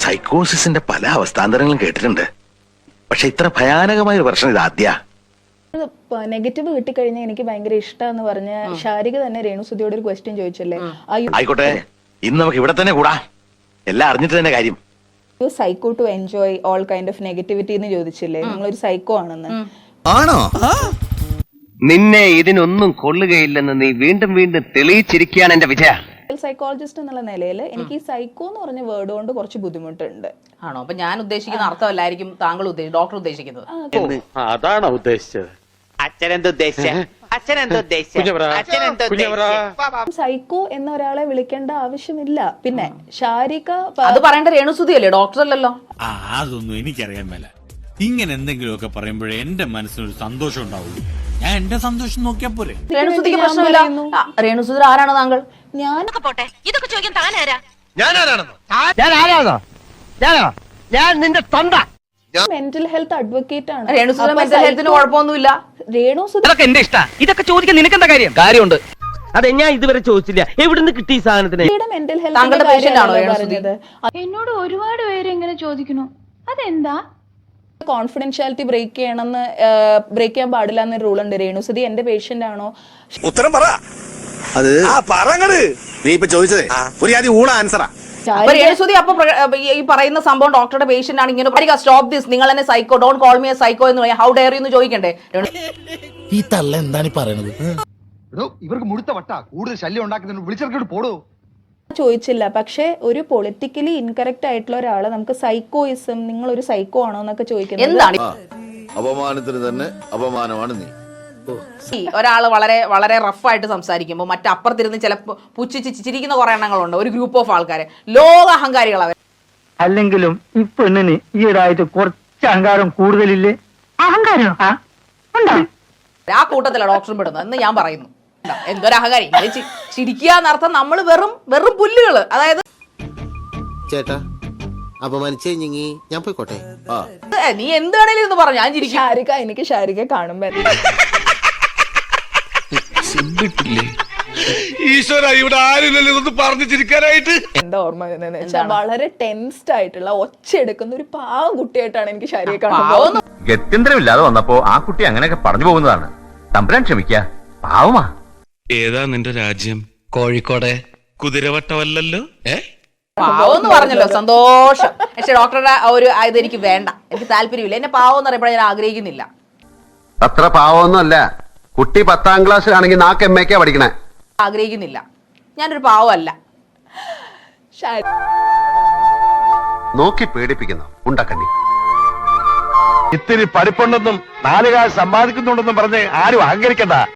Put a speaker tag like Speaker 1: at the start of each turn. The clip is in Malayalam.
Speaker 1: സൈക്കോസിന്റെ പല അവസ്ഥാന്തരങ്ങളും കേട്ടിട്ടുണ്ട്. പക്ഷെ ഇത്ര ഭയാനകമായ ഒരു പ്രശ്നം ഇത് ആദ്യ.
Speaker 2: നെഗറ്റീവ് കിട്ടിക്കഴിഞ്ഞാൽ എനിക്ക് ഭയങ്കര ഇഷ്ടമെന്ന് പറഞ്ഞ ശാരിക തന്നെ രേണുസുതിയോട് ഒരു ക്വസ്റ്റ്യൻ ചോദിച്ചല്ലേ,
Speaker 1: ആയിക്കോട്ടെ, ഇന്ന് നമുക്ക് ഇവിടെ തന്നെ കൂടാ, എല്ലാം അറിഞ്ഞിട്ട് തന്നെ കാര്യം.
Speaker 2: Psycho to enjoy all kind of negativity എന്ന് ചോദിച്ചില്ലേ, നിങ്ങളൊരു സൈക്കോ ആണെന്ന്.
Speaker 3: ആണോ?
Speaker 4: നിന്നെ ഇതിനൊന്നും കൊള്ളുകയില്ലെന്ന് നീ വീണ്ടും വീണ്ടും തെളിയിച്ചിരിക്കുകയാണ് എന്റെ വിജയ.
Speaker 2: സൈക്കോളജിസ്റ്റ് എന്നുള്ള നിലയിൽ എനിക്ക് ഈ സൈക്കോ എന്ന് പറഞ്ഞ വേർഡ് കൊണ്ട് കുറച്ച് ബുദ്ധിമുട്ടുണ്ട്.
Speaker 5: ആണോ? അപ്പൊ ഞാൻ ഉദ്ദേശിക്കുന്ന അർത്ഥമല്ലായിരിക്കും താങ്കൾ ഡോക്ടർ ഉദ്ദേശിക്കുന്നത്.
Speaker 6: അതാണോ ഉദ്ദേശിച്ചത്?
Speaker 2: സൈക്കോ എന്ന ഒരാളെ വിളിക്കേണ്ട ആവശ്യമില്ല. പിന്നെ ശാരിക
Speaker 5: അത് പറയേണ്ട രേണുസുതി അല്ലേ, ഡോക്ടർ അല്ലല്ലോ.
Speaker 7: അതൊന്നും എനിക്കറിയാൻ മേല. ഇങ്ങനെ എന്തെങ്കിലുമൊക്കെ പറയുമ്പോഴേ എന്റെ മനസ്സിനൊരു സന്തോഷം ഉണ്ടാവുള്ളൂ. ഞാൻ എന്റെ സന്തോഷം നോക്കിയാ പോരെ.
Speaker 5: രേണുസുതിക്ക് പ്രശ്നമില്ല. രേണുസുതി ആരാണ് താങ്കൾ?
Speaker 2: ഞാനൊക്കെ
Speaker 8: പോട്ടെ, ഇതൊക്കെ ചോദിക്കാൻ താനാരാ?
Speaker 4: ഞാൻ നിന്റെ തൊണ്ട.
Speaker 2: മെന്റൽ ഹെൽത്ത് അഡ്വക്കേറ്റ് ആണ്.
Speaker 5: രേണുസുതി മെന്റൽ ഹെൽത്തിന് കുഴപ്പമൊന്നുമില്ല.
Speaker 2: രേണുസുതി
Speaker 4: എന്റെ ഇഷ്ട. ഇതൊക്കെ ചോദിക്കാൻ നിനക്കെന്താ കാര്യം? കാര്യമുണ്ട്. അതെ, ഞാൻ ഇതുവരെ ചോദിച്ചില്ല. എവിടുന്ന് കിട്ടി ഈ സാധനത്തിന്?
Speaker 2: മെന്റൽ
Speaker 5: താങ്കളുടെ പേഷ്യന്റ് ആണോ രേണുസുതി?
Speaker 8: എന്നോട് ഒരുപാട് പേര് എങ്ങനെ ചോദിക്കുന്നു, അതെന്താ?
Speaker 2: കോൺഫിഡൻഷ്യാലിറ്റി ബ്രേക്ക് ചെയ്യാൻ പാടില്ല എന്നൊരു റൂൾ ഉണ്ട്. രേണുസുതി എന്റെ പേഷ്യന്റ് ആണോ?
Speaker 1: ഉത്തരം പറ. അത് പറങ്ങട്. നീ ഇപ്പൊ ചോദിച്ചതേ ഒരു ആദ്യം ഊണ ആൻസറാ.
Speaker 5: രേണുസുതി അപ്പൊ ഈ പറയുന്ന സംഭവം ഡോക്ടറുടെ പേഷ്യന്റ് ആണ്, ഇങ്ങനെ സ്റ്റോപ്പ് ദിസ്, നിങ്ങൾ എന്നെ psycho, don't call me a psycho എന്ന് പറയാം, ഹൗ ഡെയർ യു എന്ന് ചോദിക്കണ്ടേ?
Speaker 3: ഈ തള്ള എന്താണ് പറയുന്നത്?
Speaker 9: ഇവർക്ക് മുഴുത്ത വട്ട കൂടുതൽ ശല്യം ഉണ്ടാക്കുന്നതിന് വിളിച്ചിറക്കിട്ട് പോടോ.
Speaker 2: ചോദിച്ചില്ല. പക്ഷെ ഒരു പൊളിറ്റിക്കലി ഇൻകറക്റ്റ് ആയിട്ടുള്ള ഒരാളെ നമുക്ക് സൈക്കോയിസം, നിങ്ങൾ ഒരു സൈക്കോ ആണോ എന്നൊക്കെ ചോദിക്കുന്നത്
Speaker 5: എന്താണ്?
Speaker 3: അപമാനത്തിന് തന്നെ അപമാനമാണ് നീ.
Speaker 5: ഒരാള് വളരെ വളരെ റഫായിട്ട് സംസാരിക്കുമ്പോൾ മറ്റപ്പുറത്തിരുന്ന് ചിലപ്പോൾ പുച്ഛിച്ച് ചിരിക്കുന്ന കുറെ എണ്ണങ്ങളുണ്ട്. ഒരു ഗ്രൂപ്പ് ഓഫ് ആൾക്കാര് ലോക അഹങ്കാരികൾ അവർ.
Speaker 10: അല്ലെങ്കിലും ഈ പെണ്ണിന് ഈയിടായിട്ട് കുറച്ച് അഹങ്കാരം കൂടുതലില്ലേ? അഹങ്കാരം
Speaker 5: ആ കൂട്ടത്തിലാണ് ഡോക്ടറും പെടുന്നത് എന്ന് ഞാൻ പറയുന്നു. എന്തൊരു അഹങ്കാരി! ചിരിക്കുക എന്നർത്ഥം നമ്മൾ വെറും വെറും പുല്ലുകള്. അതായത്
Speaker 3: ചേട്ടാ അപമാനിച്ചേ ഞാൻ പോയിക്കോട്ടെ.
Speaker 5: നീ എന്താണേലും എന്ന് പറഞ്ഞു ഞാൻ ചിരിക്കും.
Speaker 2: ശാരിക, എനിക്ക് ശാരിക കാണുമ്പോ
Speaker 6: ഈശ്വര, ഇവിടെ ആരില്ലല്ലോ ഇതൊന്ന് പറഞ്ഞു ചിരിക്കാനായിട്ട്.
Speaker 2: എന്താ ഓർമ്മ വരുന്നതെന്ന് വെച്ചാൽ വളരെ ടെൻസ്ഡ് ആയിട്ടുള്ള ഒച്ചയെടുക്കുന്ന ഒരു പാവം കുട്ടിയായിട്ടാണ് എനിക്ക് ശാരിക കാണുന്നത്.
Speaker 4: ഗത്യന്തരമില്ലാതെ വന്നപ്പോ ആ കുട്ടി അങ്ങനെയൊക്കെ പറഞ്ഞു പോകുന്നതാണ്. തമ്പുരാൻ ക്ഷമിക്ക, പാവമാ.
Speaker 7: ഏതാ നിന്റെ രാജ്യം?
Speaker 3: കോഴിക്കോടെ.
Speaker 7: കുതിരവട്ടമല്ലല്ലോ.
Speaker 5: പാവെന്ന് പറഞ്ഞല്ലോ, സന്തോഷം. പക്ഷെ ഡോക്ടറുടെ ഒരു ഇത് എനിക്ക് വേണ്ട, എനിക്ക് താല്പര്യമില്ല. എന്നെ പാവം എന്ന് പറയുമ്പോൾ ഞാൻ ആഗ്രഹിക്കുന്നില്ല.
Speaker 4: അത്ര പാവമൊന്നുമല്ല. കുട്ടി 10ാം ക്ലാസ്സിലാണെങ്കിൽ 4 MA പഠിക്കണേ.
Speaker 5: ആഗ്രഹിക്കുന്നില്ല. ഞാനൊരു പാവമല്ല.
Speaker 4: നോക്കി പേടിപ്പിക്കുന്നു ഉണ്ടക്കണ്ണി.
Speaker 6: ഇത്തിരി പഠിപ്പുണ്ടെന്നും 4 കാശ് സമ്പാദിക്കുന്നുണ്ടെന്നും പറഞ്ഞ് ആരും അഹങ്കരിക്കണ്ട.